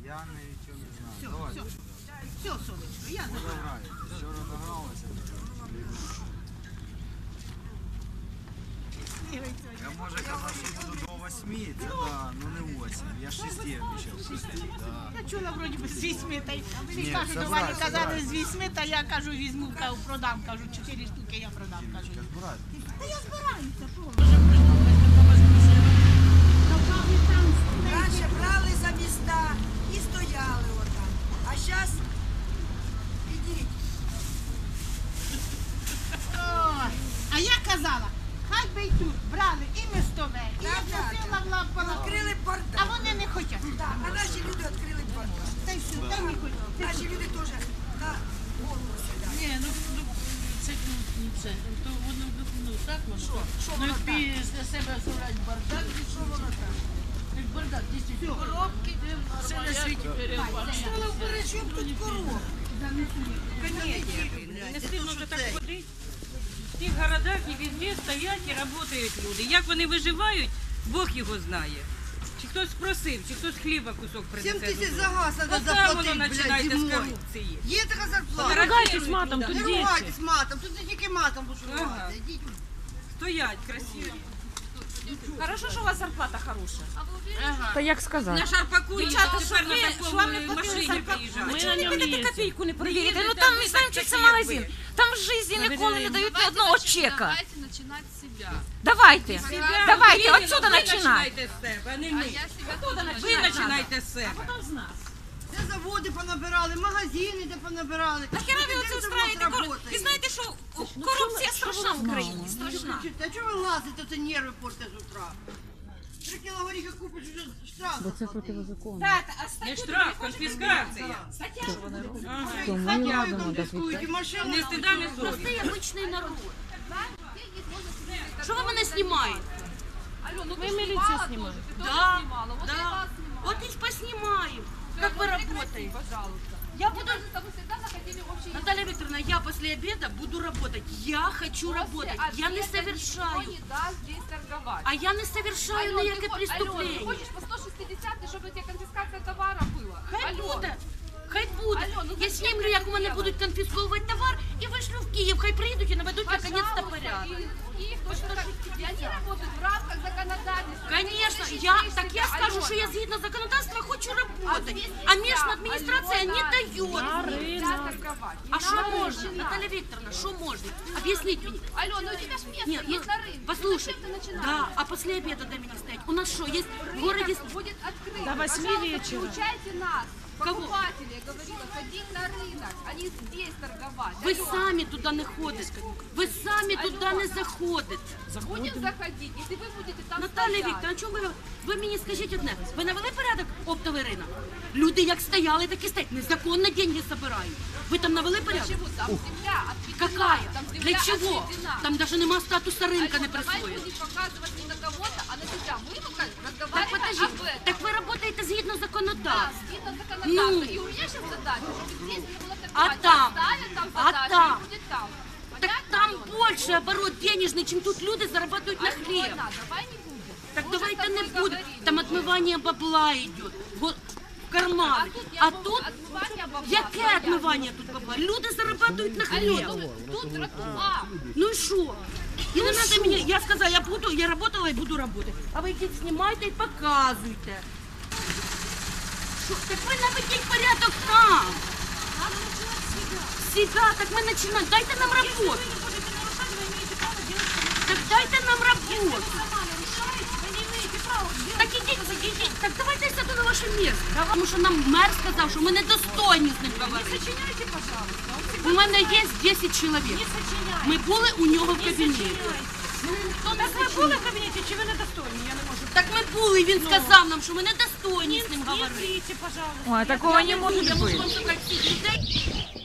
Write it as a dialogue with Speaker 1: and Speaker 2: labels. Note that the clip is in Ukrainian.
Speaker 1: Я нічого не знаю.
Speaker 2: Все,
Speaker 1: Давай.
Speaker 2: все, все, сонечко, я забираю.
Speaker 1: Граєте. Вчора награлися. Я може казав, що буду до 8, це да, ну не 8. Я 6 обіцяв. Да.
Speaker 2: Я чула вроді би з 8, та й всі
Speaker 1: Ні,
Speaker 2: кажуть,
Speaker 1: це
Speaker 2: до Вані
Speaker 1: брать,
Speaker 2: казали
Speaker 1: це
Speaker 2: з 8, та я кажу, візьму, продам, кажу, 4 штуки я продам, кажу.
Speaker 1: Тільки збирати.
Speaker 2: Та я збираюся,
Speaker 3: Раніше брали за міста і стояли отам. А зараз ідіть.
Speaker 2: Ой, а я казала, хай би й тут брали і містове, і я просила в лапала,
Speaker 3: Відкрили
Speaker 2: а
Speaker 3: бардак.
Speaker 2: вони не хочуть.
Speaker 3: Так, а наші люди відкрили бардак.
Speaker 2: Та й все, та й не хочуть.
Speaker 3: Наші люди теж на голову сідають.
Speaker 4: Ні, ну це не це. То воно так може. Ну як після себе зробити бардак, і що воно так? Як бардак, дійсно, коробки, все на світі перебачено.
Speaker 3: Стало вперед, щоб тут коробка.
Speaker 5: Не стидно вже так ходити. В тих городах і везде стоять і працюють люди. Як вони виживають, Бог його знає. Чи хтось просив, чи хтось хліба кусок
Speaker 3: 7
Speaker 5: принесе.
Speaker 3: тисяч за газ треба
Speaker 5: Оце
Speaker 3: заплатити,
Speaker 5: воно
Speaker 3: блядь,
Speaker 5: починається з
Speaker 3: зимою.
Speaker 5: корупції.
Speaker 3: Є така зарплата.
Speaker 5: Не
Speaker 4: ругайтесь матом, тут
Speaker 3: Не
Speaker 4: діти.
Speaker 3: ругайтесь матом, тут не тільки матом будеш
Speaker 5: Ага.
Speaker 3: ругатися. Ідіть.
Speaker 5: Стоять красиві.
Speaker 6: Хорошо, що у вас зарплата хороша.
Speaker 4: Та як сказати?
Speaker 5: На Шарпаку
Speaker 6: Дівчата,
Speaker 5: тепер
Speaker 6: що ви-
Speaker 5: на
Speaker 6: що
Speaker 5: такому
Speaker 6: вам не платили
Speaker 5: машині
Speaker 6: зарплату?
Speaker 5: приїжджають.
Speaker 4: Ми
Speaker 6: Чому
Speaker 4: на
Speaker 6: не
Speaker 4: ньому
Speaker 6: підете
Speaker 4: їздимо.
Speaker 6: копійку не перевірите?
Speaker 5: Їздите,
Speaker 6: Ну
Speaker 5: там
Speaker 6: там,
Speaker 5: ви
Speaker 6: знаємо,
Speaker 5: так
Speaker 6: чи це
Speaker 5: такі,
Speaker 6: магазин.
Speaker 5: як ви.
Speaker 6: Там в житті ніколи не дають ні одного чека.
Speaker 7: Давайте начинать с себя.
Speaker 6: Давайте, давайте,
Speaker 5: Ірина,
Speaker 6: отсюда
Speaker 5: ви
Speaker 6: починайте.
Speaker 5: починайте з себе, а не
Speaker 7: А
Speaker 5: ми.
Speaker 7: я себя тоже
Speaker 5: Ви починайте з себе.
Speaker 3: Де заводи понабирали, магазини де понабирали.
Speaker 6: Нахера ви
Speaker 3: Де
Speaker 6: оце
Speaker 3: завод
Speaker 6: устраєте?
Speaker 3: работає?
Speaker 6: Ви знаєте, що корупція страшна в Україні, страшна.
Speaker 3: Та чого ви лазите, це нерви портите з утра? 3 кіло горіха купиш, вже штраф. Бо це
Speaker 5: Не штраф, конфіскація.
Speaker 3: Ходяю конфіскують, і машину.
Speaker 5: Не стида, не совість.
Speaker 6: Простий обичний народ. Що ви мене знімаєте?
Speaker 7: Алена, ну
Speaker 4: Мы
Speaker 7: ты
Speaker 4: милицию
Speaker 7: снимала
Speaker 4: снимаем.
Speaker 7: тоже, ты тоже
Speaker 6: Да,
Speaker 7: снимала. Вот я
Speaker 6: да.
Speaker 7: вас снимала.
Speaker 6: Вот и поснимаем, как вы работаете.
Speaker 7: Пожалуйста.
Speaker 6: Я
Speaker 7: Мы
Speaker 6: буду...
Speaker 7: даже с тобой всегда находили общий язык.
Speaker 6: Наталья Викторовна, я после обеда буду работать. Я хочу
Speaker 7: После
Speaker 6: работать. Я не
Speaker 7: обеда
Speaker 6: совершаю.
Speaker 7: Никто не даст здесь торговать.
Speaker 6: А я не совершаю
Speaker 7: Алён,
Speaker 6: ніяке
Speaker 7: ты Алён, ты
Speaker 6: преступлення.
Speaker 7: хочешь по 160, чтобы у тебя конфискация товара была?
Speaker 6: Хай
Speaker 7: Алён,
Speaker 6: буде. Хай буде.
Speaker 7: Алён, ну
Speaker 6: Я
Speaker 7: зачем
Speaker 6: знімлю,
Speaker 7: ты
Speaker 6: як
Speaker 7: это
Speaker 6: у мене
Speaker 7: делаешь?
Speaker 6: будуть конфісковувати товар і вишлю в Київ. Хай приїдуть і наведуть наконец-то
Speaker 7: пожалуйста,
Speaker 6: порядок.
Speaker 7: и их точно так. И они работают в рамках законодательства.
Speaker 6: Конечно,
Speaker 7: Ты не
Speaker 6: я
Speaker 7: защищаешь
Speaker 6: так я
Speaker 7: себя,
Speaker 6: скажу,
Speaker 7: Алёна.
Speaker 6: що я згідно законодавства хочу работать.
Speaker 7: здесь
Speaker 6: А
Speaker 7: нельзя,
Speaker 6: местная администрация не
Speaker 7: Алёна,
Speaker 6: дает.
Speaker 7: Нельзя торговать. Не
Speaker 6: А що
Speaker 7: надо
Speaker 6: можна,
Speaker 7: начинать.
Speaker 6: Наталья Викторовна, що можна? Об'ясніть мені.
Speaker 7: Алена, ну у тебя ж место
Speaker 6: Нет,
Speaker 7: есть на рынке.
Speaker 6: послушай,
Speaker 7: Зачем ты начинаешь?
Speaker 6: да, а после обеда дай меня стоять. У нас что, есть в городе...
Speaker 7: Рынок будет открыт.
Speaker 4: До 8
Speaker 7: Пожалуйста,
Speaker 4: вечера.
Speaker 7: Получайте нас,
Speaker 6: Кого?
Speaker 7: покупателей, я говорила, ходить на рынок, а не здесь торговать.
Speaker 6: Ви
Speaker 7: Алёна,
Speaker 6: самі туди не ходите. Ви самі туди не заходите.
Speaker 7: будем заходить, если вы будете там
Speaker 6: Наталія
Speaker 7: стоять.
Speaker 6: Вікторовна, чому ви мені скажіть одне? Ви навели порядок оптовий ринок? Люди як стояли, так і стоять. Незаконно деньги збирають. Ви там навели порядок?
Speaker 7: Почему? Там земля отведена.
Speaker 6: Какая?
Speaker 7: Там земля
Speaker 6: Для чего?
Speaker 7: отведена.
Speaker 6: Там даже нема статуса рынка не
Speaker 7: Алёна, давай
Speaker 6: присвоєно.
Speaker 7: будем показывать не на кого-то, а на себя. Мы пока
Speaker 6: Так
Speaker 7: разговариваем
Speaker 6: подожди,
Speaker 7: об этом.
Speaker 6: так ви працюєте згідно
Speaker 7: Да,
Speaker 6: законодавства.
Speaker 7: згідно законодавства.
Speaker 6: Ну.
Speaker 7: И у меня сейчас задача, чтобы здесь не было
Speaker 6: А
Speaker 7: торговать.
Speaker 6: там?
Speaker 7: Оставят там
Speaker 6: А
Speaker 7: задачу,
Speaker 6: там?
Speaker 7: и будет там.
Speaker 6: Так
Speaker 7: Понятно,
Speaker 6: там
Speaker 7: Алёна?
Speaker 6: більше оборот денежний, чим тут люди зарабатывают на хліб.
Speaker 7: Алёна, давай не будем.
Speaker 6: Так
Speaker 7: Мы уже
Speaker 6: давайте
Speaker 7: с
Speaker 6: не
Speaker 7: тобой
Speaker 6: будем.
Speaker 7: говорили
Speaker 6: Там
Speaker 7: уже.
Speaker 6: отмывание бабла идет. В карманы.
Speaker 7: я
Speaker 6: А
Speaker 7: могу
Speaker 6: тут
Speaker 7: отмывание бабла,
Speaker 6: яке
Speaker 7: понятно.
Speaker 6: отмивання тут бабла? Люди зарабатывают на
Speaker 7: Алёна,
Speaker 6: хліб.
Speaker 7: тут тротуар.
Speaker 6: Ну і що? І не надо мені, я сказала, я работала і буду работать. А ви йдіть, знімайте і показуйте. Що? Так ви наведіть порядок там. Себя, так ми починаємо. Дайте нам роботу. Так дайте нам роботу. Так ідіть. Так давайте я сяду на ваше місце. Тому що нам мер сказав, що ми недостойні з ним говорити. У мене є 10 чоловік. Ми були у нього в кабінеті.
Speaker 4: Так ви були в кабінеті, чи ви недостойні? Я не можу.
Speaker 6: Так ми були, він сказав нам, що ми недостойні з ним
Speaker 4: Не
Speaker 6: говорити.
Speaker 4: врите, пожалуйста.
Speaker 8: Ой, такого не
Speaker 6: Я
Speaker 8: может
Speaker 6: можу
Speaker 8: быть.
Speaker 6: вам сказати всіх людей.